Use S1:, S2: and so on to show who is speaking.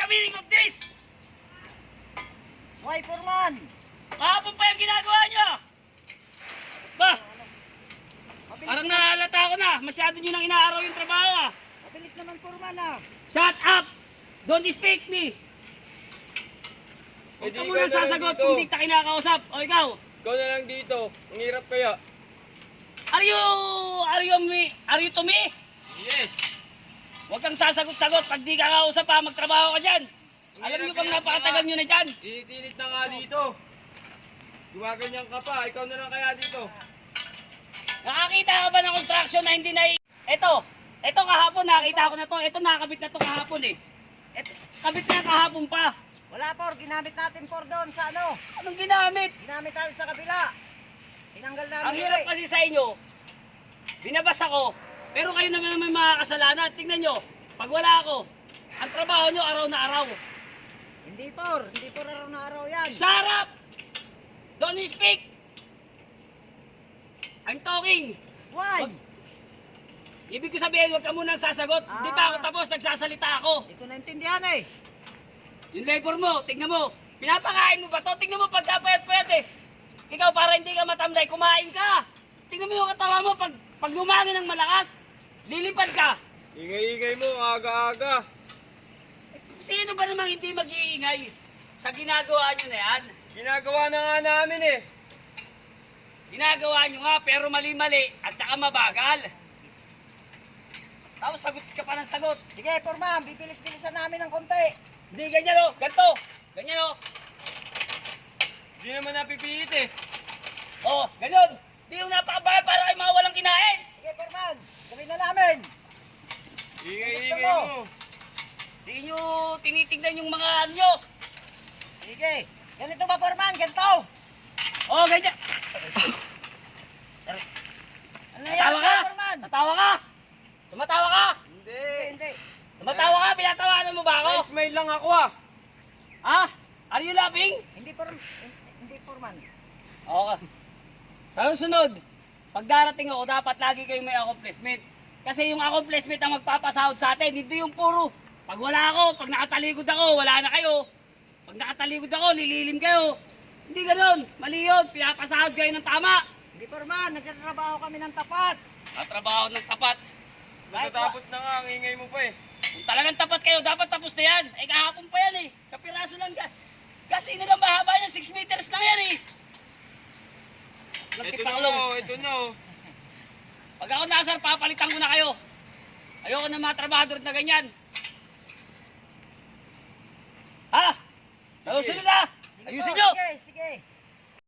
S1: meaning of this?
S2: Why, Foreman?
S1: Kahapon pa yung ginagawa nyo. Ba?
S2: Mabilis
S1: Parang
S2: naman.
S1: nahalata ko na. Masyado nyo nang inaaraw yung trabaho ah.
S2: Mabilis naman, Foreman ah.
S1: Shut up! Don't speak me! Huwag ka muna sasagot kung di kita kinakausap. O ikaw?
S3: Ikaw na lang dito. Ang hirap kaya.
S1: Are you to me?
S3: Yes.
S1: Huwag kang sasagot-sagot. Pag di ka kausap ha, magtrabaho ka dyan.
S3: Ang
S1: Alam nyo
S3: hirap
S1: bang
S3: kaya
S1: napakatagal nyo na dyan?
S3: Init-init na nga dito. Gumaganyan ka pa. Ikaw na lang kaya dito.
S1: Nakakita ka ba ng construction na hindi na... Ito kahapon, nakakita ko na to. Ito nakakabit na to kahapon eh. Kabit na kahapon pa.
S2: Wala, Por. Ginamit natin, Por, doon sa ano.
S1: Anong ginamit?
S2: Ginamit natin sa kabila. Tinanggal namin.
S1: Ang hirap kasi sa inyo, binabas ako, pero kayo naman may mga kasalanan. Tingnan nyo, pag wala ako, ang trabaho nyo araw na araw.
S2: Hindi, Por. Hindi, Por, araw na araw yan.
S1: Shut up! Don't speak! I'm talking.
S2: Why?
S1: Ibig ko sabihin, huwag ka munang sasagot. Hindi pa ako tapos, nagsasalita ako.
S2: Hindi ko naintindihan eh.
S1: Yung labor mo, tingnan mo. Pinapakain mo ba to? Tingnan mo pagkapayat-payat eh. Ikaw para hindi ka matamlay, kumain ka. Tingnan mo yung katawa mo, pag lumangin ng malakas, lilipad ka.
S3: Ingay-ingay mo. Aga-aga.
S1: Sino ba namang hindi mag-iingay sa ginagawa nyo na yan?
S3: Ginagawa na nga namin eh.
S1: Ginagawa nyo nga pero mali-mali at saka mabagal. Tapos sagot ka pa ng sagot.
S2: Sige, Foreman. Bibilis-bilisan namin ng konti.
S1: Hindi ganyan o, ganito. Ganyan o.
S3: Hindi naman napipiit eh.
S1: O, ganyan. Di yung napakabagal para kayo mga walang kinain.
S2: Sige, Foreman. Gawin na namin.
S3: Ingay-ingay
S2: Gusto mo?
S3: mo.
S1: Di nyo tinitignan yung mga ano nyo.
S2: Sige. Ganito ba, Foreman? Ganito.
S1: O, ganyan.
S2: Ano nangyari
S1: Natawa ka?
S2: sa'yo, Foreman?
S1: Natawa ka? Tumatawa ka?
S3: Hindi.
S2: Hindi.
S1: Tumatawa ka? Pinatawanan mo ba ako?
S3: Smile lang ako ah.
S1: Ha? Are you laughing?
S2: Hindi, Foreman.
S1: Okay. Pero sunod, pag darating ako, dapat lagi kayong may accomplishment. Kasi yung accomplishment ang magpapasahod sa atin, hindi yung puro. Pag wala ako, pag nakataligod ako, wala na kayo. Pag nakataligod ako, lililim kayo. Hindi ganoon. Mali yun. Pinapasahod kayo ng tama.
S2: Hindi, Foreman. Nagtatrabaho kami ng tapat.
S1: Trabaho ng tapat.
S3: Natatapos na nga. Ang ingay mo pa eh.
S1: Kung talagang tapat kayo, dapat tapos na yan. Eh kahapon pa yan eh. Kapiraso lang gas. Kasi ino lang mahaba yan, 6 meters lang yan eh.
S3: Ito na oh. Ito na oh.
S1: Pag ako nasar, papalitan ko na kayo. Ayoko ng mga trabahador na ganyan. Ha? Ayusin nyo na! Ayusin nyo!
S2: Sige, sige.